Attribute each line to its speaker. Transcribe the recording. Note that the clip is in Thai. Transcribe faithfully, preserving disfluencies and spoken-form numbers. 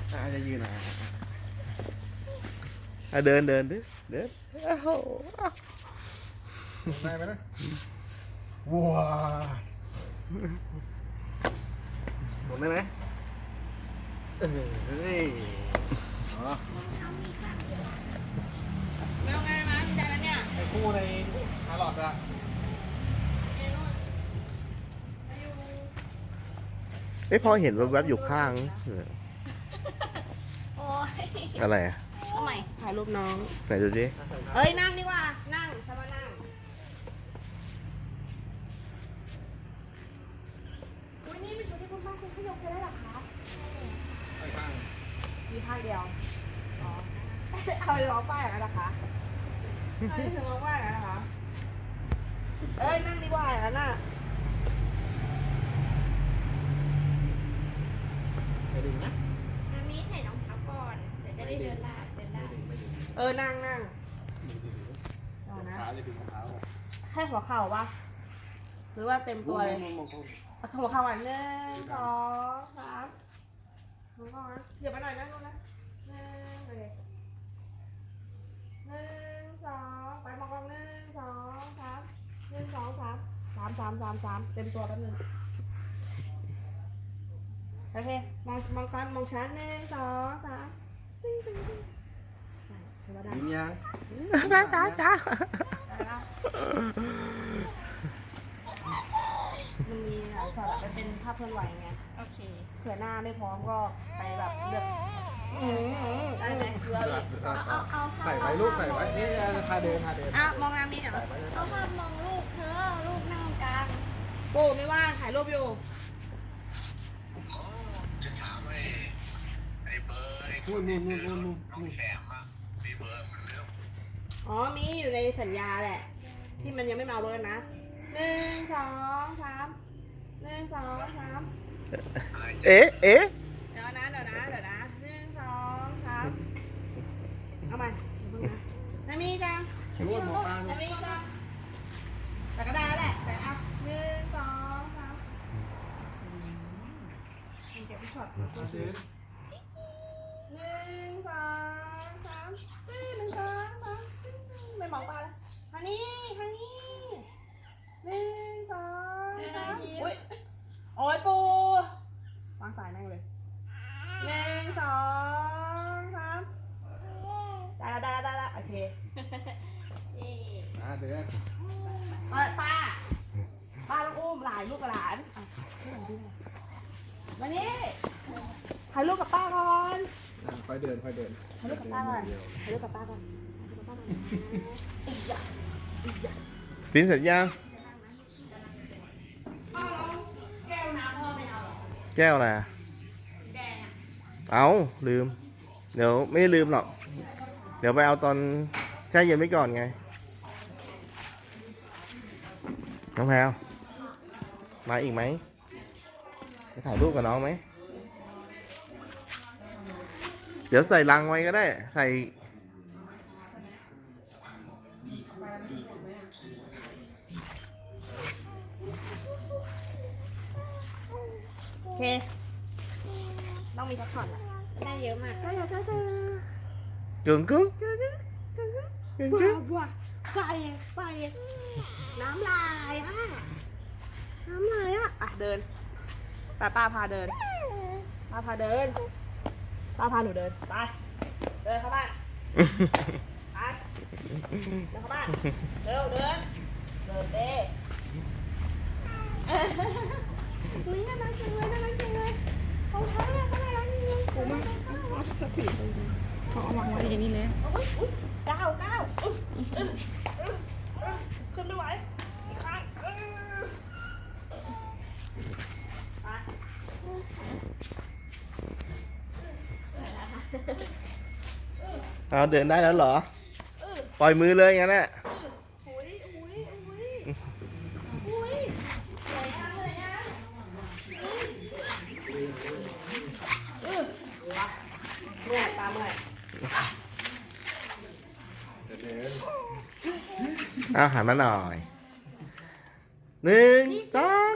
Speaker 1: อาจจะยืนนะ
Speaker 2: เดินเดินดิเดิน
Speaker 1: ได้ไหมนะว้าหมดได้ไหมเฮ้ยอ๋อ
Speaker 3: ไม่เอาไงมาใจแล้วเนี่ย
Speaker 1: ไอ้คู่ในฮาร์ลอดอะ
Speaker 2: เอ้ยพอเห็นแวบๆอยู่ข้าง
Speaker 3: โอ้ย
Speaker 2: อะไรอ่ะ
Speaker 3: ทำไมถ่ายรูปน้อง
Speaker 2: ไหนดูดิ
Speaker 3: เฮ้ยนั่งดีกว่านั่งใช่ไหมนั่งอุ้ยนี่เป็นชุดที่คุณป้าซื้อให้ยกใช้ได้หรอคะ
Speaker 1: ไอ้ข้าง
Speaker 3: มีข้างเดียวอ๋อเอาไปร้องป้ายกันนะคะเอาไปถึงร้องป้ายกันนะคะเอ้ยนั่งดีกว่าอย่างนั้นน่ะ
Speaker 1: ไปดึงนะ
Speaker 4: มามีใส่รองเท้าก่อนเดี๋ยวจะได้เดินได้เดินได้
Speaker 3: เออนั่งนั่งเอานะ
Speaker 1: ขาจะดึงเท้า
Speaker 3: แค่หัวเข่าปะหรือว่าเต็มตัวเลยเอาหัวเข่าอ่ะหนึ่งสองสามหัวเข่านะเดี๋ยวไปหน่อยนะลูกนะหนึ่งโอเคหนึ่งสองไปมองกล้องหนึ่งสองสามหนึ่งสองสามสามสามสามสามเต็มตัวแป๊บนึงโอเคมองมองกันมองชั้นหนึ่งสองสามตึ้งตึ้งตึ้งใช่ไหมได้
Speaker 1: ยิ้มยัง
Speaker 2: จ้าจ้าจ้า
Speaker 3: มันมีหลายช็อตมันเป็นภาพเคลื่อนไหวไง
Speaker 4: โอเค
Speaker 3: เผื่อหน้าไม่พร้อมก็ไปแบบเลือกได้ไหมเรา
Speaker 4: เอาเอา
Speaker 1: ใส่ไว้ลูกใส่ไว้นี่จะพาเดินพาเดิน
Speaker 3: อ่ะมองน้ำมีเหรอ
Speaker 4: เอาภาพมองลูกเธอลูกนั่งกลาง
Speaker 3: ปูไม่ว่างถ่ายรูปอยู่
Speaker 5: จะถามไอ้ไอ้เบอร์ไอ้ค
Speaker 1: นู่
Speaker 5: นน
Speaker 1: นู่
Speaker 5: ที่
Speaker 1: นนู่
Speaker 5: ซื้
Speaker 1: น
Speaker 5: อ
Speaker 1: นู่นนู่น
Speaker 5: น้องแขมอ่ะมีเบอร์มันเรื่อง
Speaker 3: อ๋อมีอยู่ในสัญญาแหละที่มันยังไม่มาเอารถนะหนึ่งสองสามหนึ่งสองสาม
Speaker 2: เอ๊ะเอ๊ะ
Speaker 3: เดี๋ยวนะเดี๋ยวนะเดี๋ยวนะหนึ่งสองสามเอาใหม่เดี๋ยวเพิ่งนะนามีจัง
Speaker 1: รู้ว่าหมอปลา
Speaker 3: นามีจังแต่ก็ได้แหละแต่อ่ะหนึ่งสองสามเก็บช็อตหนึ่งสองสามสามหนึ่งสองสามไม่มองปลาแล้วทางนี้ทางนี้หนึ่งสองสามอุ้ยโอ้ยปูวางสายนั่งเลยหนึ่งสองสามได้ได้ได้ได้โอเค
Speaker 1: อ่าเดิน
Speaker 3: ป้าป้าป้าต้องอุ้มหลานลูกกับหลานมานี่ถ่ายรูปกับป้าก่อน
Speaker 1: ค่อยเดินค่อยเดิน
Speaker 3: ถ่ายรูปกับป้าก่อนถ่ายรูปกับป้าก่อนอีกอย่างอีกอย่าง
Speaker 2: สินเสร็จยัง
Speaker 3: แก้วน้ำพ่อไม่เอาหรอ
Speaker 2: แก้วอะไร
Speaker 3: แดงอ่ะ
Speaker 2: เอาลืมเดี๋ยวไม่ลืมหรอกเดี๋ยวไปเอาตอนแช่เย็นไว้ก่อนไงน้องแพลวมาอีกไหมไปถ่ายรูปกับน้องไหมเดี๋ยวใส่ลังไว้ก็ได้ใส่
Speaker 3: โอเคต้องมีสักช็อตอ่ะได้เยอะมากได้เยอะจ้าจ้าก
Speaker 2: ึ่งกึ่ง
Speaker 3: กึ่งกึ่งกึ่ง
Speaker 2: กึ่งกึ่ง
Speaker 3: ว้าว้าไปไปน้ำลายอ่ะน้ำลายอ่ะอ่ะเดินป้าป้าพาเดินป้าพาเดินป้าพาหนูเดินไปเดินเข้าบ้านไปเดินเข้าบ้านเร็วเดินเดินเด้นี่น่ารักจังเลยน่ารักจังเลยเขาใช้เนี่ยเขาน่ารักจริงเลยผมว่าเขาสปีดเขาเอาวางไว้อย่างนี้เลยอุ้ยอุ้ยก้าวก้าวขึ้นไม่ไหวอีกครั้ง
Speaker 2: เอาเดินได้แล้วเหรอปล่อยมือเลยงั้นแหละ
Speaker 3: อุ้ยอุ้ยอุ้ยอุ้ยสวยจังเลยนะเออเมื่อยตาเมื่อย
Speaker 2: เอาหันมาหน่อยหนึ่งสอง